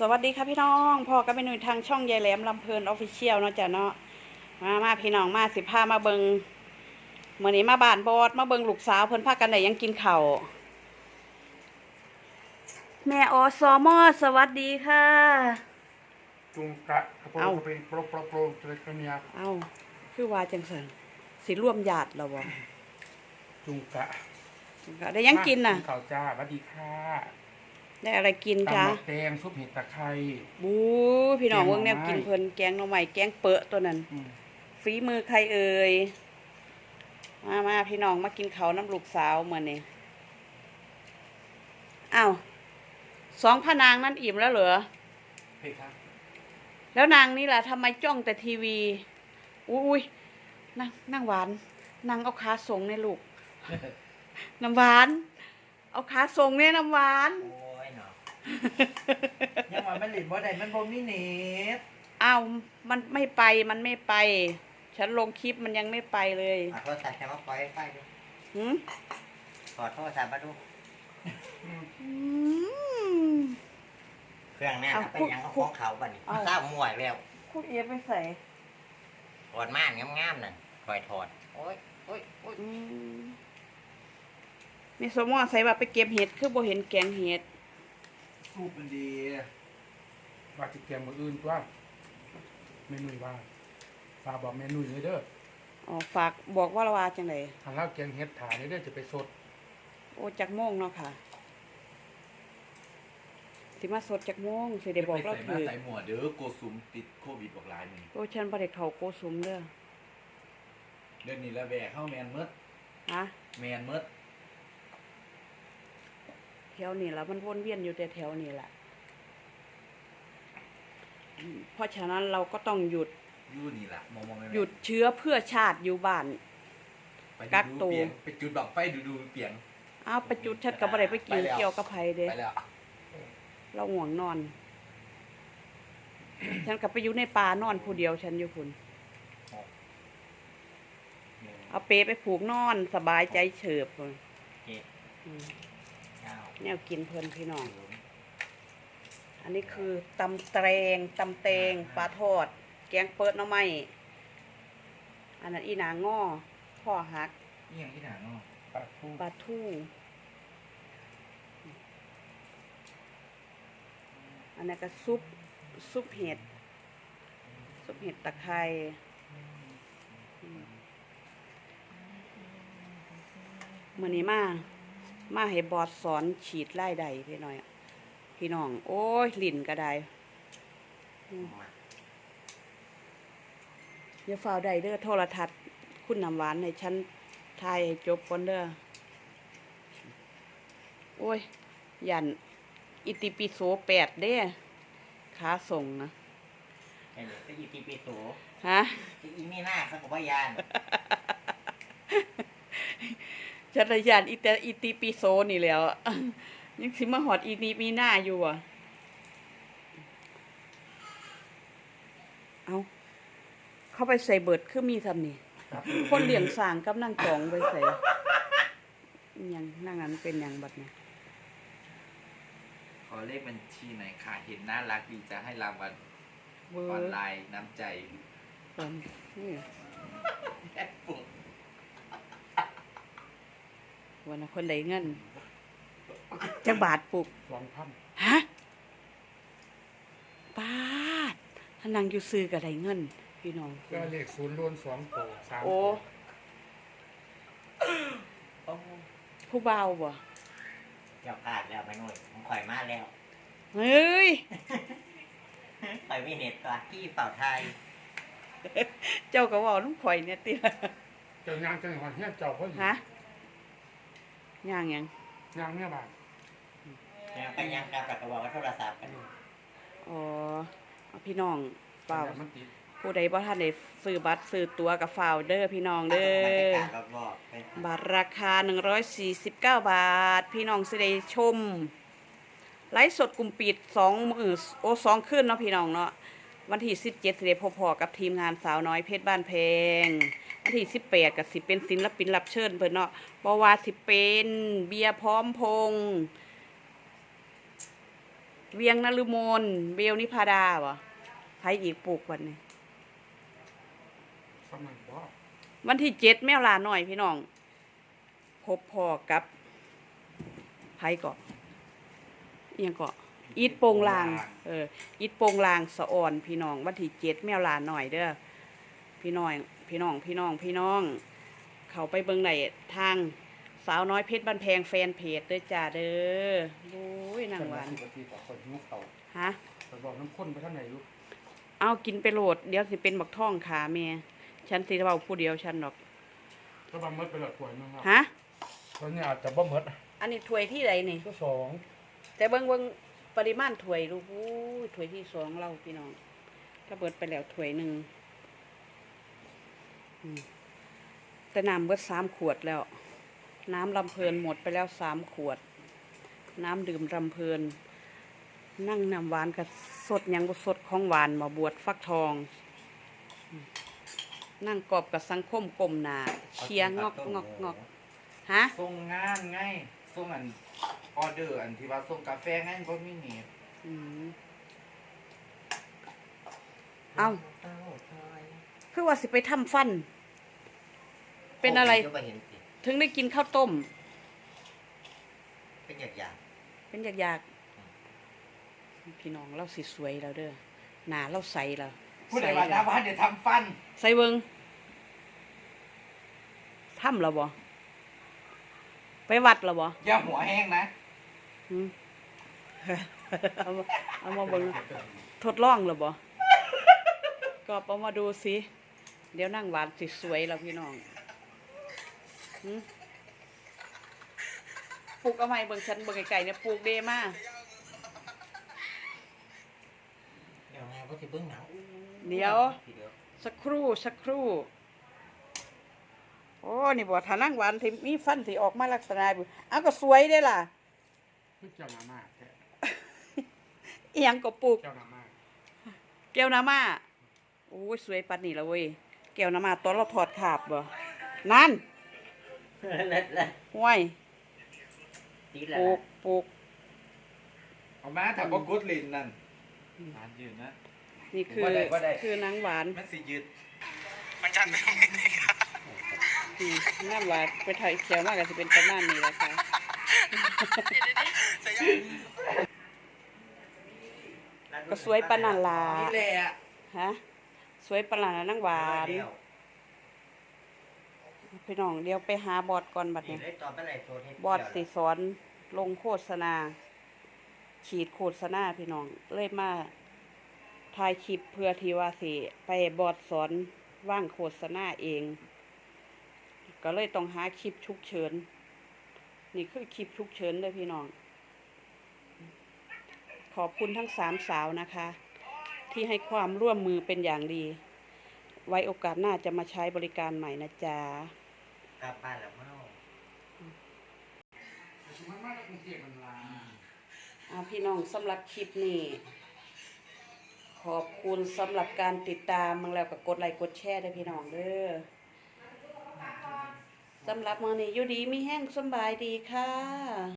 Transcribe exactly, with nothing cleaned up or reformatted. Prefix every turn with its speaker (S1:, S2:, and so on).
S1: สวัสดีค่ะพี่น้องพ่อก็เป็นหนุ่ยทางช่องยายแหลมลำเพลินออฟฟิเชียลเนาะจ้ะเนาะมามาพี่น้องมาสิพามาเบิงเมื่อนี้มาบ้านบอดมาเบิงลูกสาวเพิ่นพากันได้ยังกินข้าวแม่อสมอสวัสดีค่ะ
S2: จุงกะกระโปรงกระเปงโปรโปรโปรเล็กเนีย
S1: เอ้าคือว่าจังสันสิร่วมญาติเราบ่
S2: จุงกะ
S1: ได้ยังกินน่ะ
S2: ข้าวจ้าสวัสดีค่ะ
S1: ได้อะไรกินคะ
S2: ตำหมกแดงซุปเห็ดตะไคร้
S1: บู๊พี่น้องเบิ่งแนวกินเพิ่นแกงหน่อไม้แกงเปอะตัวนั้นฝีมือใครเอ่ยมามาพี่น้องมากินข้าวน้ำลูกสาวมื้อนี้อ้าวสองพระนางนั่นอิ่มแล้วเหรอ
S2: เฮ้ยครับ
S1: แล้วนางนี่ล่ะทำไมจ้องแต่ทีวีอุ้ยนั่งนั่งหวานนั่งเอาขาส่งในลูกน้ำหวานเอาขาส่งเนี่ยน้ำหวาน
S3: โอ้ยเนาะยังว่ามันหลิบบ่ได้มันบ่มีเน็ต
S1: อ้าวมันไม่ไปมันไม่ไปฉันลงคลิปมันยังไม่ไปเลย
S3: ขอโทษศัพท์แค่มาปล่อยไฟดู
S1: หืม
S3: ขอโทษศัพท์มาดูเครื่องแน่นะเป็นยังของเขาบัดนี้ทราบมวยแล้ว
S1: คุณเอฟไปใส่
S3: ถอดม่านงามๆนั่นคอยถอดโอ้ยโอ้ยโอ้ย
S1: มีสมอใส่ว่าไปเก็บเห็ดคือบ่เห็นแกงเห็ด
S2: สูบมันดีว่าจะแกงมืออื่นว่าเมนูว่าฝากบอกเมนูเลยเด้อ
S1: อ๋อฝากบอกว่าละว่าจังได
S2: ทางเราแกงเห็ดถ่ายเด้อจะไปสด
S1: โอ้จักโมงเนาะค่ะสิมาสดจักโมงสิได้บอกเรา
S4: ถือใส่หมวดเด้อโกซุมติดโควิดบอกหลายนี่
S1: โอ้ฉันบ่ได้เข้าโกสุมเด้อ
S4: เดือนนี้ละแบกเข้าแมนเมด
S1: ฮะ
S4: แมนเมด
S1: แถวนี้ละมันวนเวียนอยู่แต่แถวนี้แหละเพราะฉะนั้นเราก็ต้องหยุด
S4: ยู่นี่แหละมองมอง
S1: หยุดเชื้อเพื่อชาติอยู่บ้านกักตัว
S4: ไปจุดดอกไฟดูดูเปียง
S1: อ้าวไปจุดชัดกับอะไรไปกินเกี่ยวกับไผเด้เราห่วงนอนฉันกลับไปอยู่ในป่านอนผู้เดียวฉันอยู่คุณเอาเปไปผูกนอนสบายใจเฉิบเลยแนวกินเพลินพี่น้องอันนี้คือตำแตงตำแตงปลาทอดแกงเปิดน้ำไม้อันนั้นอีหนางง้อข้อหัก
S4: นี่อย่างที่หนาเนาะ
S1: ปลาทูปลาทูอันนี้ก็ซุปซุปเห็ดซุปเห็ดตะไคร้มื้อนี้มามาให้บอดสอนฉีดไล่ใดพี่น้อยพี่น้องโอ้ยลิ่นก็ได้อย่าฝ่าใดเด้อโทรทัศน์คุณน้ำหวานให้ฉันทายให้จบก่อนเด้อโอ้ยยันอิติปิโสแปดเด้ขาส่งนะ
S3: ไอ้เนี่ยก็อิติปิโส
S1: ฮะ
S3: อีมีหน้าเขาบอกว่ายาน
S1: จักรยานอิตาอิติปิโสนี่แล้วยังสิมาหอดอีนีมีหน้าอยู่อ่ะเอาเข้าไปใส่เบิดคือมีทำนี่คนเลี้ยงสางกับนั่งจองไปใส่ยังนั่งนั้นเป็นยังบัดเนี่ย
S4: ขอเลขบัญชีไหนค่ะเห็นน่ารักดีจะให้รางวัลออนไลน์น้ำใจแอปปุ๊บ
S1: วันนั้นคนไหนเงินจักบาทปลูก
S2: สองพัน
S1: ฮะบาทถ้านั่งอยู่ซื้อกับไหนเงินพี่น้อง
S2: ก็เลขศูนย์ล้วนสองโตสาม
S1: โอ้ผู้เบาบ่
S3: เจ้าพลาดแล้วไปหน่อยผมข่อยมาแล้ว
S1: เฮ้ย
S3: ข่อยมีเน็ตก่อนที่เป่าไทย
S1: เจ้าก็ว่าลุงข่อยเนี่ยติ
S2: เจ้ายางจังหวัดเฮียเจ้าเขาอยู่
S1: ฮะย่างยัง
S2: ย่างเนี่ยบาท
S3: ไปย่างกับกระบอกโทรศัพท์กัน
S1: อ๋อพี่น้องเปล่าผู้ใดบ่ท่านได้ซื้อบัตรซื้อตั๋วกับฝ่าวเด้อพี่น้องเด้อบัตรราคาหนึ่งร้อยสี่สิบเก้าบาทพี่น้องสิได้ชมไลฟ์สดกลุ่มปิดสองมื้อโอ้สองคืนเนาะพี่น้องเนาะวันที่สิบเจ็ดสิได้พบพอกับทีมงานสาวน้อยเพชรบ้านแพงวันที่สิบแปดก็สิเป็นศิลปินรับเชิญเพิ่นเนาะบ่ว่าสิเป็นเบียร์พร้อมพงษ์เวียงนฤมลเบลนิพาดาบ่ไผอีกปลูกวันนี้
S2: กำลังบ่
S1: วันที่เจ็ดแมวลาหน่อยพี่น้องพบพ่อกับไผเกาะเอียงเกาะอีทโปงลางเอออีทโปงลางสะอ่อนพี่น้องวันที่เจ็ดแมวลาหน่อยเด้อพี่น้อยพี่น้องพี่น้องพี่น้อง เขาไปเบิ่งได้ทางสาวน้อยเพชรบ้านแพงแฟนเพจเด้อจ้าเด้อโอ้ยนางหวาน
S2: ปกติต่อคนหิวเขา
S1: ฮะ
S2: ไปบอกน้ำข้นไปทางไหนลูก
S1: เอากินไปโหลดเดี๋ยวสิเป็นบักท่องขาแม่ฉันสิเว้าผู้เดียวฉันดอก
S2: ก็บางมดไปหลอดถ้วยนึงครับ
S1: ฮะ
S2: ตอนนี้อาจจะบ่หมด
S1: อันนี้ถ้วยที่ใดนี่
S2: ก็สอง
S1: แต่เบิ่งเบิ่งปริมาณถ้วยลูกอู้ยถ้วยที่สองเราพี่น้องก็เบิดไปแล้วถ้วยหนึ่งอืมแต่น้ำเบิดสามขวดแล้ว น้ำลำเพลินหมดไปแล้วสามขวด น้ำดื่มลำเพลิน นั่งน้ำหวานกับสดหยังบ่สดของหวานมาบวชฟักทองอืมนั่งกอบกับสังคมกลมหนาเชียร์งอกงอกงอกฮะ
S4: ส่งงานไงส่งอันออเดอร์อันที่ว่าส่งกาแฟไงบ่มีเน็ต
S1: อืมเอาคือว่าสิไปทำฟัน เป็นอะไร
S3: โยบ่เห็นสิ
S1: ถึงได้กินข้าวต้ม
S3: เป็นอย่างอย่าง
S1: เป็นอยากๆพี่น้องเราสิสวยแล้วเด้อหนาเราใสแล้ว
S4: ผู้ใดว่าหน้าบ้านเดี๋ยวทำฟัน
S1: ใส่เบิงทำแล้วบ่ไปวัดแล้วบ่
S4: อย่าหัวแห้งนะ
S1: หืม เอามาเอามาเบิงทดลองแล้วบ่ก็เอามาดูสิเดี๋ยวนั่งหวานสิสวยแล้วพี่น้องหืมปลูกเอาไหมเบิ่งฉันเบิ่งไก่ๆเนี่ยปลูกเดมา
S3: เดี๋ยวไงก็สิเบิ่งหนัง
S1: เดี๋ยว
S3: ทีเดียว
S1: สักครู่สักครู่ โอ้นี่บ่ถ้านั่งหวานที่มีฟันที่ออกมาลักษณะแบบอ้าวก็สวยได้ล่ะ
S2: คือเจ้าหน้ามาแค่
S1: เอียงก็ปลูก
S2: เจ้าหน้ามา
S1: แก้วน้ำมาโอ้ยสวยปัดนี่ละเว้ยแก้วน้ำมาตอนเราถอดขาบบ่นั่น
S3: เล็ดเลย
S1: ห้วย
S3: ตีแล้
S1: ปลู
S3: ว
S1: กปลูก
S4: เอามาถ้าบ่กดลิ้นนั่นนานยืนนะ
S1: นี่คือ
S4: บ่ได้บ่ได้
S1: คือนางหวาน
S4: มันสิยืด
S1: อืมนางหวานไปถ่ายเขียวมากก็จะเป็นประมาณนี้แหละค่ะก็สวยปานนันลา
S4: นี่แหละ
S1: ฮะสวยปานนันลานางหวาน
S3: เดียว
S1: พี่น้องเดี๋ยวไปหาบอดก่อนบัด
S3: นี่
S1: นี้
S3: เลยตอนไปไหนโซนให้
S1: บอดสิสอนลงโฆษณา ฉีดโฆษณาพี่น้องเลยมาถ่ายคลิปเพื่อที่ว่าสิไปบอดสอนว่างโฆษณาเอง ก็เลยต้องหาคลิปฉุกเฉินนี่คือคลิปฉุกเฉินเลยพี่น้อง ขอบคุณทั้งสามสาวนะคะ ที่ให้ความร่วมมือเป็นอย่างดี ไว้โอกาสหน้าจะมาใช้บริการใหม่นะจ๊ะ
S3: กลับบ้านแล้วเมา
S2: มันมาจากกรุงเทพมันลา
S1: อ่าพี่น้องสำหรับคลิปนี้ ขอบคุณสำหรับการติดตามมึงแล้วก็กดไลค์กดแชร์ด้วยพี่น้องเด้อสำหรับมื้อนี้อยู่ดีมีแห้งสำบายดีค่ะ